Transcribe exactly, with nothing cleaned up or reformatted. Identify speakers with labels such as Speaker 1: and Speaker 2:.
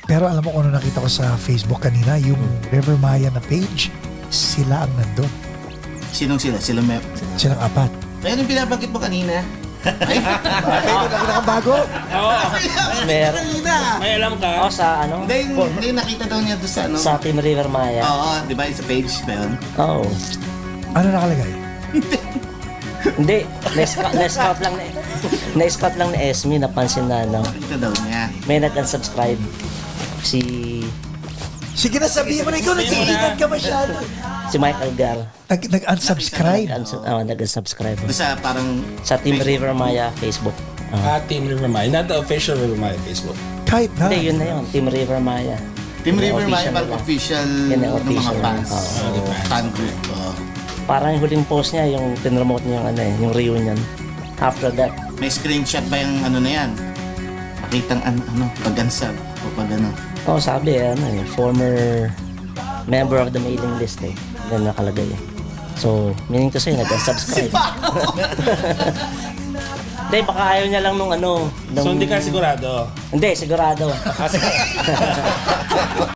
Speaker 1: Pero alam mo kung ano nakita ko sa Facebook kanina, yung River Maya na page, sila ang nandun.
Speaker 2: Sinong sila? Sila may...
Speaker 1: Silang apat.
Speaker 2: Ayun yung binabanggit mo kanina. Ay,
Speaker 1: Ay, nakita kang bago?
Speaker 3: Oo.
Speaker 4: Mer-
Speaker 2: kanina.
Speaker 3: May alam ka?
Speaker 4: O sa ano?
Speaker 2: Hindi, yung- hindi yung nakita daw niya doon sa ano.
Speaker 4: Sa Team River Maya.
Speaker 2: Oo, di ba? Sa page ba yun?
Speaker 4: Oo.
Speaker 1: Ano nakalagay?
Speaker 4: Hindi, na-scout na-scout lang ni na-scout lang ni Esme, napansin na ano,
Speaker 2: Nakita daw niya.
Speaker 4: may nag-unsubscribe si
Speaker 1: Sige na, sabihin mo na ikaw, nag-iingat ka masyado.
Speaker 4: si Michael Gar.
Speaker 1: Nag, nag-unsubscribe.
Speaker 4: Nag-uns- oh, nag-unsubscribe
Speaker 2: Doon sa parang...
Speaker 4: sa Team River Maya Facebook. Oh.
Speaker 3: Ah, Team River Maya. Not the official River Maya Facebook.
Speaker 1: Kahit na.
Speaker 4: Hindi, yun na yun, Team River Maya.
Speaker 2: Team
Speaker 4: Yung
Speaker 2: River Maya,
Speaker 4: official
Speaker 2: parang
Speaker 4: nila.
Speaker 2: official
Speaker 4: Yan ang
Speaker 2: ng mga
Speaker 4: official.
Speaker 2: fans.
Speaker 4: Oo.
Speaker 2: Oo, fan group. Oo.
Speaker 4: Parang yung huling post niya, yung pinromote niya yung ano eh, yung reunion. After that,
Speaker 2: May screenshot ba yung ano na yan? Makitang an, ano, pag-unsub o pag ano.
Speaker 4: oh sabi eh, ano eh, former member of the mailing list eh. Yan nakalagay eh. So, meaning to say, nag-unsubscribe. Hindi, baka ayaw niya lang nung ano. Nung...
Speaker 3: So hindi ka sigurado?
Speaker 4: Hindi, sigurado.